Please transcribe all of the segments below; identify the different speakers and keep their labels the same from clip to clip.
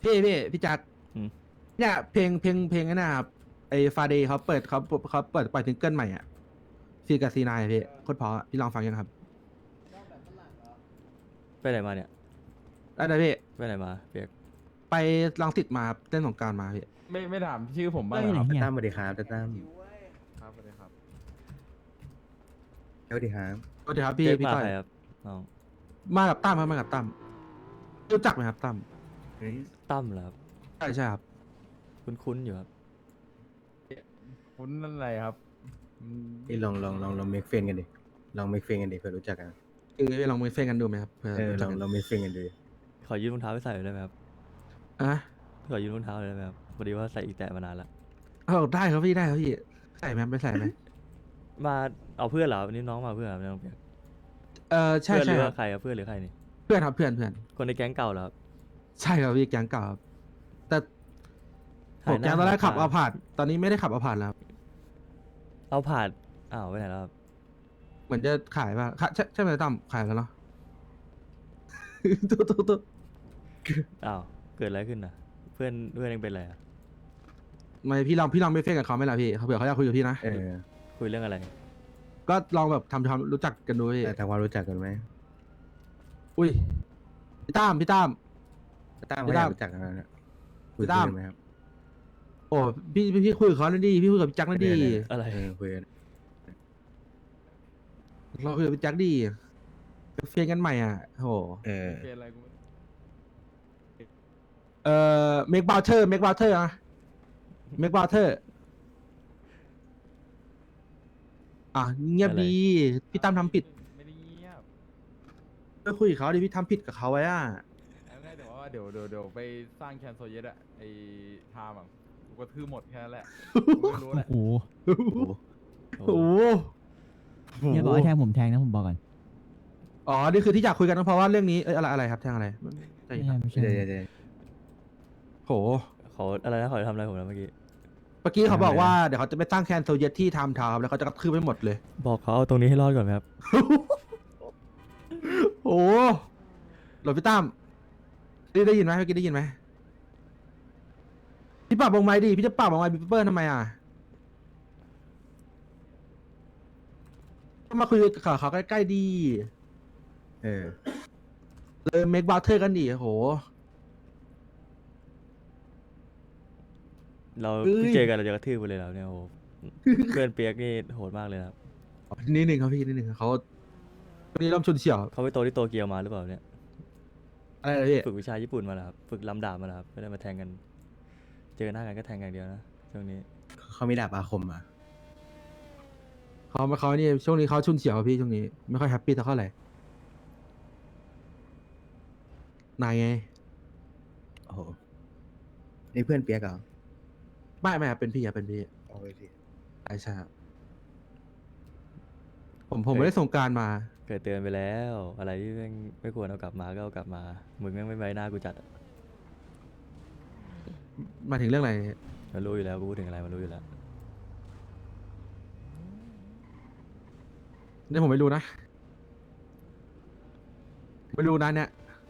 Speaker 1: พี่จักร
Speaker 2: อืม
Speaker 1: เนี่ยเพลงนั่นนะครับไอ้ฟาเดย์เขาเปิดปล่อยซิงเกิลใหม่อ่ะซีกับซีนายพี่โคตรเพราะอะพี่ลองฟังยังครับ
Speaker 2: ไปไหนมาเนี่ย
Speaker 1: ได้เลยพี่
Speaker 2: ไปไหนมาเปียก
Speaker 1: ไปรังสิตมาครับเต้นสงกรานต์มาพี่
Speaker 3: ไม่ถามชื่อผมบ้าง
Speaker 4: เอ้
Speaker 3: เหร
Speaker 4: ย
Speaker 3: อ
Speaker 4: ไหน
Speaker 3: ครับ
Speaker 4: เฮีย
Speaker 5: ตั้มสวัสดีครับตั้ม
Speaker 3: ครับสวัสดีครับ
Speaker 5: สวัสดีครับ
Speaker 1: สวัสดีครับพี่
Speaker 2: เปียก
Speaker 1: พี่
Speaker 2: มา
Speaker 1: ต้อย
Speaker 2: ใครครับน้อง
Speaker 1: มากับตั้มครับมากับตั้มรู้จักไหมครับตั้ม
Speaker 5: เฮ้ย
Speaker 2: ตั้มเหรอครับ
Speaker 1: ใช่ครับ
Speaker 2: คุ้นๆอยู่ครับ
Speaker 3: คุณนั่นอะไรครับอืม
Speaker 5: นี่ลองเมคเฟนกันดิลองเมคเฟนกันดิเผื่อรู้จักกัน
Speaker 1: คือพี่ลองมือเฟ้นกันดูไหมครับเพื่อ
Speaker 5: ล
Speaker 1: รู้จั
Speaker 5: อก ง
Speaker 1: กัน
Speaker 5: ลองเมคเฟนกันดู
Speaker 2: ขอยืมรองเท้าไปใส่หน่อยได้ไหมครับ
Speaker 1: อ่ะ
Speaker 2: ขอยืมรองเท้าหน่อยได้ไหมครับพอดีว่าใส่อีแตะมานานละ
Speaker 1: ได้ครับพี่ได้ครับพี่ใส่ไหมไปใส่ไหม
Speaker 2: มาเอาเพื่อนเหรอวันนี้น้องมาเพื่อนเหรอน้องเปียก
Speaker 1: ใช่
Speaker 2: เพื่อนห
Speaker 1: ใช่
Speaker 2: รือ
Speaker 1: ครั
Speaker 2: ว่า
Speaker 1: บ
Speaker 2: ใครครับเพื่อนหรือใครนี่
Speaker 1: เพื่อนครับเพื่อน
Speaker 2: คนในแก๊งเก่าเหรอครับ
Speaker 1: ใช่ครับพี่แก๊งเก่าครับแต่ผ
Speaker 2: หาย
Speaker 1: ม
Speaker 2: ห
Speaker 1: แก๊งตอนแรกขับ
Speaker 2: ห
Speaker 1: เอาผ่านตอนนี้ไม่ได้ขับเอาผ่านแล้วครับ
Speaker 2: เอาผ่านอ้าวไปไหนแล้วครับ
Speaker 1: เหมือนจะขายป่ะใช่ไหมตั้มขายแล้วเนาะ ตุ๊
Speaker 2: อ้าวเกิดอะไรขึ้นน่ะ เพื่อนเองเป็นอะไรอ่ะ
Speaker 1: ไม่พี่ลองไม่เฟ้นกับเขาไหมล่ะพี่เขาเผื่อเขาอยากคุยกับพี่นะ
Speaker 2: คุยเรื่องอะไร
Speaker 1: ก็ลองแบบทำความรู้จักกันดูพี่
Speaker 5: แต่ทำความรู้จักกันไหม
Speaker 1: อุ้ยพี่ตั้ม
Speaker 5: ตั้ม
Speaker 1: พี่
Speaker 5: เขาอ
Speaker 1: ตั้
Speaker 5: ยาม กรู้จักกันนะคุย
Speaker 1: พี่ตั้ม
Speaker 5: กันไหมครับ
Speaker 1: โอ้พี่คุยกับเขาหน่อยดิพี่คุยกับพี่แจ็คหน่อยดิ
Speaker 2: อะไร
Speaker 5: คุยกัน
Speaker 1: เราคุยกับพี่แจ็คดิเฟ้นกันใหม่อ่ะโห
Speaker 3: เป็นอะไรกูไม่
Speaker 1: เมกบาเทอร์อะเมกบาเทอร์อ่ะเงียบดีพี่ตั้มทำผิด
Speaker 3: ไม่ได้เงียบ
Speaker 1: ก็คุยกับเขาดิพี่ทำผิดกับเขาไว้อ่ะ
Speaker 3: เอาง่ายแต่ว่าเดี๋ยวไปสร้างแคนโซเยตอะไอไทม์อะกูก็ทื่อหมดแค่นั้นแหละกูไม่รู้แห
Speaker 4: โอ้
Speaker 3: ละ
Speaker 4: โห
Speaker 1: โอ้โห
Speaker 4: เฮียบอกให้แทงผมแทงนะผมบอกก่อน
Speaker 1: อ๋อนี่คือที่อยากคุยกันก็เพราะว่าเรื่องนี้อะไรครับแทงอะไรใจ
Speaker 4: ไม่
Speaker 1: เย็น
Speaker 4: ใช่
Speaker 1: ครับ
Speaker 4: ไม่ใช่
Speaker 5: เดี๋ยว
Speaker 1: โห
Speaker 2: เขาอะไรนะเขาจะทำอะไรผมนะเมื่อกี้
Speaker 1: เมื่อกี้เขาบอกว่าเดี๋ยวเขาจะไปตั้งแคนโซเยตที่ไทม์ทาวน์ครับแล้วเขาจะกระทืบไปหมดเลย
Speaker 2: บอกเขาเอาตรงนี้ให้รอดก่อนไหมครับ
Speaker 1: โอ้หลบพี่ตั้มได้ยินไหมเมื่อกี้ได้ยินไหมพี่ปรับวงไม้ดิพี่จะปรับวงไม้บิ๊กเปิ้ลทำไมอ่ะก็มาคุยกับเขาใกล้ๆดี เมกบาเทอร์กันดิโห
Speaker 2: เรา
Speaker 1: เอ้ย
Speaker 2: เพิ่งเจอกันเราจะกระทืบไปเลยแล้วเนี่ยโอ้โหเพื่อนเปียกนี่โหดมากเลยนะครับ
Speaker 1: นิดหนึ่งครับพี่นิดหนึ่งครับเขาวันนี้เริ่มชุนเฉียว
Speaker 2: เขาไปโตที่โตเกียวมาหรือเปล่าเนี่ย
Speaker 1: อะไรนะพี่
Speaker 2: ฝึกวิชาญี่ปุ่นมาแล้วครับฝึกลำดาบมาแล้วครับไม่ได้มาแทงกัน เจอหน้ากันก็แทงกันอย่างเดียวนะช่วงนี้
Speaker 5: เขามีดาบอาคมอ่ะ
Speaker 1: เขานี่ช่วงนี้เขาชุนเฉียวครับพี่ช่วงนี้ไม่ค่อยแฮปปี้เท่าไหร่นายไง
Speaker 5: โอ้โหนี่เพื่อนเปียกเหรอ
Speaker 1: ไม่ครับเป็นพี่ครับเป็นพี่
Speaker 5: เอาไปสิ
Speaker 1: ใช่ครับผมไม่ได้ส่งกรารมา
Speaker 2: เคยเตือนไปแล้ว อะไรที่ไม่ควรเอากลับมาก็เอากลับมามึงแม่งไม่ไว้หน้ากูจัดอะ
Speaker 1: มาถึงเรื่องอะไร
Speaker 2: มันรู้อยู่แล้วกูพูดถึงอะไรมันรู้อยู่แล้ว
Speaker 1: เนี่ยผมไม่รู้นะไม่รู้นะเนี่ย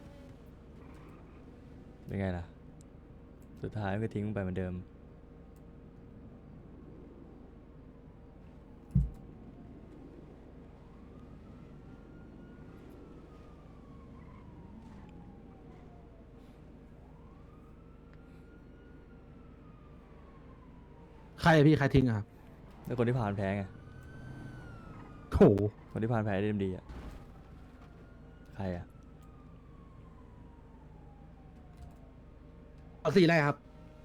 Speaker 2: เป็นไงล่ะ สุดท้ายมันก็ทิ้งมึงไปเหมือนเดิม
Speaker 1: ใครอะพี่ใครทิ้งอะครับ
Speaker 2: แล้วคนที่ผ่านแพ้ไง
Speaker 1: โถ
Speaker 2: คนที่ผ่านแพ้ได้ดีอะใครอะ
Speaker 1: เอาสีอะไรครับ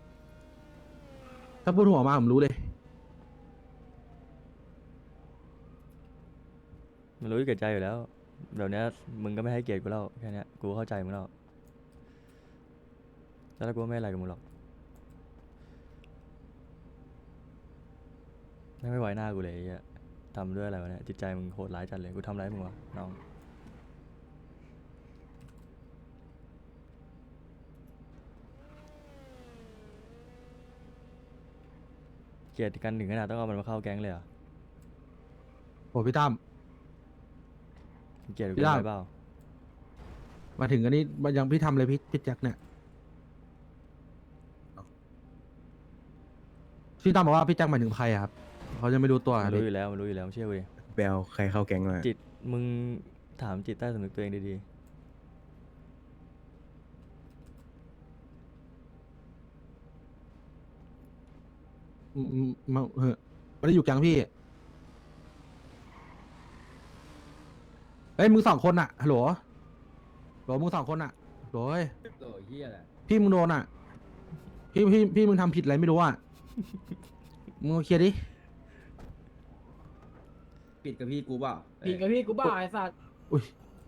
Speaker 1: ถ้าพูดหัวมาผมรู้เลย
Speaker 2: มันรู้อยู่แก่ใจอยู่แล้วเดี๋ยวนี้มึงก็ไม่ให้เกียรติกูแล้วแค่เนี้ยกูเข้าใจมึงแล้วแล้วกูก็ไม่อะไรกับมึงหรอกไม่ไว้หน้ากูเลยไอ้เหี้ยทำด้วยอะไรวะเนี่ยจิตใจมึงโหดร้ายจัดเลยกูทำร้ายมึงวะน้องเกลียดกันถึงขนาดต้องเอามันมาเข้าแก๊งเลยเหรอ
Speaker 1: โอ้พี่ตั้ม
Speaker 2: เกลียดกู
Speaker 1: พี่
Speaker 2: ได้
Speaker 1: ดาว
Speaker 2: เปล่า
Speaker 1: มาถึงอันนี้มันยังพี่ทำเลยพี่แจ็คเนี่ยพี่ตั้มบอกว่าพี่แจ็คหมายถึงใครอะครับเขาจะไม่รู้ตัว
Speaker 2: มัน
Speaker 1: พี่
Speaker 2: รู้อยู่แล้วมันรู้อยู่แล้วไม่เชื่อกูดิ
Speaker 5: ไปเอาใครเข้าแก๊งมา
Speaker 2: จิตมึงถามจิตใต้สำนึกตัวเองดี
Speaker 1: มาเฮ้ยไม่ได้อยู่แก๊งพี่เฮ้ยมึงสองคนอะฮัลโหลมึงสองคนอะโหย
Speaker 6: โอ้ยเฮียแหละ
Speaker 1: พี่มึงโดนอะพี่มึงทำผิดอะไรไม่รู้อะมึงมาเคลียร์ดิ
Speaker 6: ปิดกับพี่กูเปล่า
Speaker 7: ผิดกับพี่กูบ้าไอ้สัตว์
Speaker 1: อุ้ย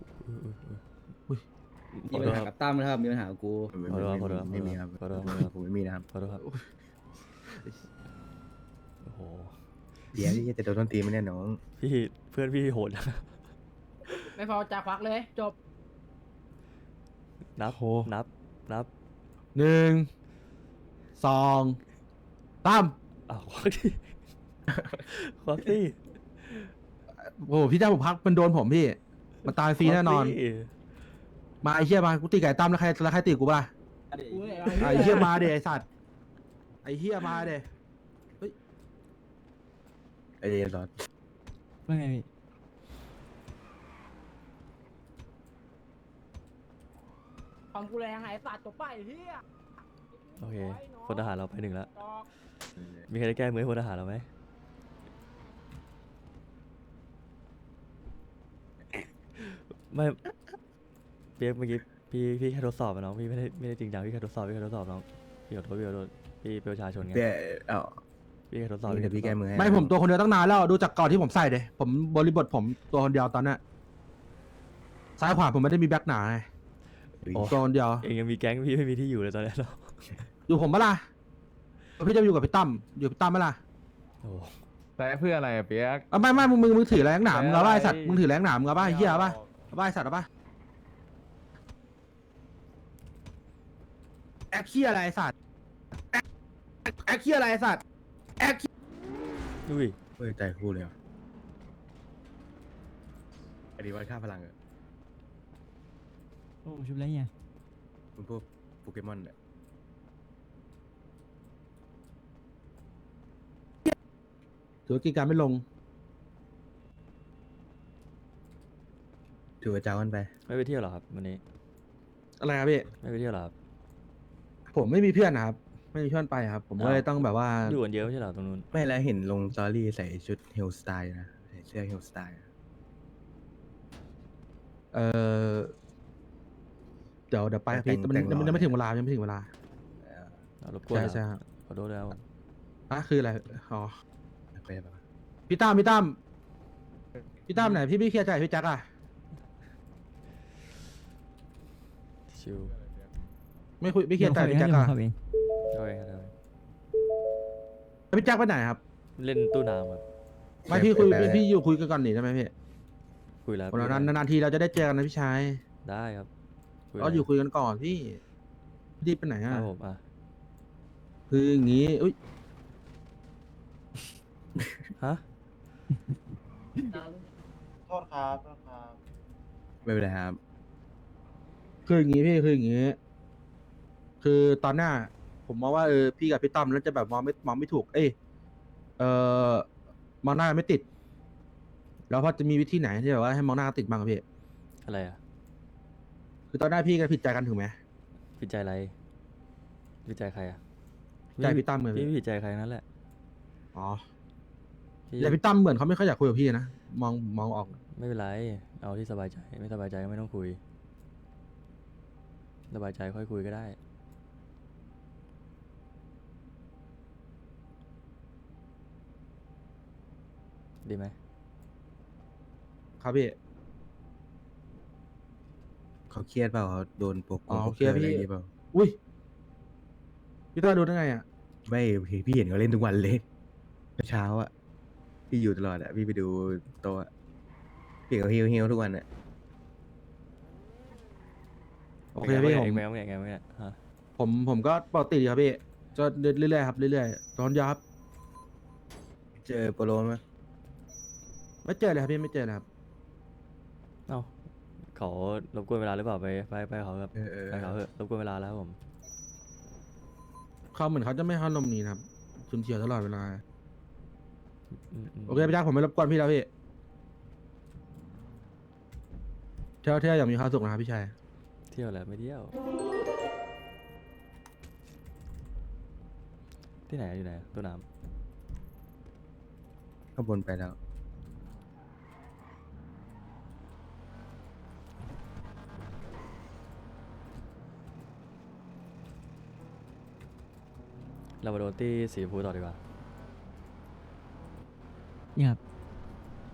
Speaker 2: ๆ
Speaker 6: มีปัญหากับตั้มนะครับมีปัญหากับกู
Speaker 5: ไม่มีครับ
Speaker 2: ขอโทษ
Speaker 5: ผมไม่มีนะครับ
Speaker 2: ขอโทษครับโอ้โห
Speaker 5: เดี๋ยวที่จะโดนต้นตีไม่แน่น้อง
Speaker 2: พี่เพื่อนพี่โหดนะ
Speaker 7: ไม่พอจะควักเลย จบ
Speaker 2: นับ
Speaker 1: โห
Speaker 2: นับ
Speaker 1: หนึ่งสองตั้ม
Speaker 2: อ้าวควักดิควักดิ
Speaker 1: โอ้โหพี่แจ็คผมพักมันโดนผมพี่มันตายฟรีแน่นอน
Speaker 2: ควักดิ
Speaker 1: มาไอ้เหี้ยมากูตีไก่ตั้มแล้วใครตีกูป่ะ
Speaker 7: กูเนี่ย
Speaker 1: ไอ้เหี้ยมาเดไอ้สัตว์ไอ้เหี้ยมาเด
Speaker 5: ไอเดียซอส
Speaker 4: ว่าไงพี่
Speaker 7: ของกูแรงไอ้สัตว์จบไปไอ้เฮีย
Speaker 2: โอเคพลทหารเราไปหนึ่งแล้ว
Speaker 7: จอก
Speaker 2: มีใครจะแก้มือให้พลทหารเราไหมไม่เปียกเมื่อกี้พี่แค่ทดสอบอะน้องพี่ไม่ได้จริงจังพี่แค่ทดสอบน้องพี่ขอโทษพี่เป็นประชาชนไง
Speaker 5: เดี๋ยวเอา
Speaker 2: พี่แค่ทดสอบ
Speaker 5: เดี๋ยวพี่แก้มือให้
Speaker 1: ไม่ผมตัวคนเดียวตั้งนานแล้วดูจากก่อนที่ผมใส่เดยผมบริบทผมตัวคนเดียวตอนเนี้ยซ้ายขวาผมไม่ได้มีแบ็คหนาไง
Speaker 5: อุ๊ย
Speaker 1: ตัวคนเดียว
Speaker 2: เองยังมีแก๊งพี่ไม่มีที่อยู่เลยตอนนี้เรา
Speaker 1: อยู่ผมปะล่ะพี่จะอยู่กับพี่ตั้มอยู่กับพี่ตั้มปะล่ะ
Speaker 2: โอ้
Speaker 3: แต่เพื่ออะไรอะเปียก
Speaker 1: ไม่มึงถือแรงหนามมึงเอาป่ะไอ้สัตว์มึงถือแรงหนามมึงเอาป่ะไอ้เหี้ยเอาป่ะเอาป่ะไอ้สัตว์เอาป่ะแอคเคียอะไรไอ้สัตว์แอคเคียอะไรไอ้สัตว์แอค
Speaker 2: อุ้ย
Speaker 5: เฮ้ยใจคู่เลยเหรออันนี้วัดค่าพลังเหรอ
Speaker 4: โอ้ชุบแล้วเนี่ย
Speaker 5: มันพวกโปเกมอนเนี่ย
Speaker 1: ถือว่ากิจการไม่ลง
Speaker 5: ถือว่าเจ้ากันไป
Speaker 2: ไม่ไปเที่ยวเหรอครับวันนี้
Speaker 1: อะไรครับพี่
Speaker 2: ไม่ไปเที่ยวเหรอครับ
Speaker 1: ผมไม่มีเพื่อนนะครับไม่มีเพื่อนไปครับ ผมก็เลยต้องแบบว่า
Speaker 2: อยู่กันเยอะไม่ใช่เหรอตรงนู้น
Speaker 5: ไม่แล้วเห็นลงสตอรี่ใส่ชุดเฮลสไตล์นะใส่เสื้อเฮลสไตล์
Speaker 1: เออเดี๋ยวไปครับพี่แต่มันยังไม่ถึงเวลายังไม่ถึงเวลา
Speaker 2: รบกวน
Speaker 1: ใช่
Speaker 2: ครับ
Speaker 1: ใช่ครับ
Speaker 2: ขอโทษแล้ว
Speaker 1: อ่ะคืออะไรอ๋อ
Speaker 5: ไปปะ
Speaker 1: พี่ตั้มไหนพี่เคลียร์ใจพี่แจ็คอะ
Speaker 2: ชิว
Speaker 1: ไม่คุยไม่เคลียร์ใจพี่แจ็คอะ
Speaker 4: เข้าเอง
Speaker 2: โอเคครับ
Speaker 1: แล้วพี่แจ็คไปไหนครับ
Speaker 2: เล่นตู้น้ำครับ
Speaker 1: ไม่พี่คุยพี่อยู่คุยกันก่อนหนิได้ไหมพี่
Speaker 2: คุยแล้ว
Speaker 1: วันนั้นนานๆทีเราจะได้เจอกันนะพี่ชาย
Speaker 2: ได้ครับ
Speaker 1: ก็อยู่คุยกันก่อนพี่รีบไปไหน
Speaker 2: ค
Speaker 1: อะ
Speaker 2: รับผมอ่ะ
Speaker 1: คืออย่างงี้อุ้ย
Speaker 2: ฮะ
Speaker 5: ไม่เป็นไรครับ
Speaker 1: คืออย่างงี้พี่คืออย่างงี้ คือตอนหน้า ผมมองว่าพี่กับพี่ตั้มแล้วจะแบบมองไม่ถูก มองหน้าไม่ติด แล้วพอจะมีวิธีไหนที่แบบว่าให้มองหน้าติดบ้างครับพี่
Speaker 2: อะไรอ่ะ
Speaker 1: คือตอนหน้าพี่ก็ผิดใจกันถูกไหม
Speaker 2: ผิดใจอะไรผิดใจใครอ่ะ
Speaker 1: ใจพี่ตั้มเลย
Speaker 2: พี่
Speaker 1: พี่
Speaker 2: ไม่ผิดใจใครนั่นแหละ
Speaker 1: อ๋อ
Speaker 2: พี่
Speaker 1: แต่พี่ตั้มเหมือนเขาไม่ค่อยอยากคุยกับพี่นะมองออก
Speaker 2: ไม่เป็นไรเอาที่สบายใจไม่สบายใจก็ไม่ต้องคุยสบายใจค่อยคุยก็ได้ดีไหม
Speaker 1: ครับพี่
Speaker 5: เขาเครียดเปล่าเขาโดนโปก
Speaker 1: อ๋อเครียดพี่
Speaker 5: อะไรอย่างงี้เปล่า
Speaker 1: อุ้ยพี่ตั้มดูได้ไงอ่ะ
Speaker 5: ไม่พี่เห็นเขาเล่นทุกวันเลยเช้าอ่ะพี่อยู่ตลอดอ่ะพี่ไปดูโต๊ะอะพี่เขาเฮียวทุกวันอ่ะ
Speaker 1: โอเคพี่ผม
Speaker 2: เองไม่ฮะ
Speaker 1: ผมก็ปกติดีครับพี่ก็เรื่อยๆครับเรื่อยๆตอนยาครับ
Speaker 5: เจอโปโลไหม
Speaker 1: ไม่เจอเลยครับพี่ไม่เจอเลยครับ
Speaker 2: เอ้าเขารบกวนเวลาหรือเปล่าไปเขาครับ
Speaker 5: เออ
Speaker 2: ไปเขาเถอะรบกวนเวลาแล้วครับผม
Speaker 1: เขาเหมือนเขาจะไม่ให้นมนี้นะครับชุนเฉียวตลอดเวลา
Speaker 2: ม
Speaker 1: โอเคพี่จ้าผมไม่รบกวนพี่แล้วพี่เที่ยวอย่างมีความสุขนะครับพี่ชาย
Speaker 2: เที่ยวแหละไม่เที่ยว ที่ไหนอยู่ไหนตัวน้
Speaker 5: ข้างบนไปแล้ว
Speaker 2: ำเรามาโดนที่สีชมพูต่อดีกว่า
Speaker 4: นี่ครับ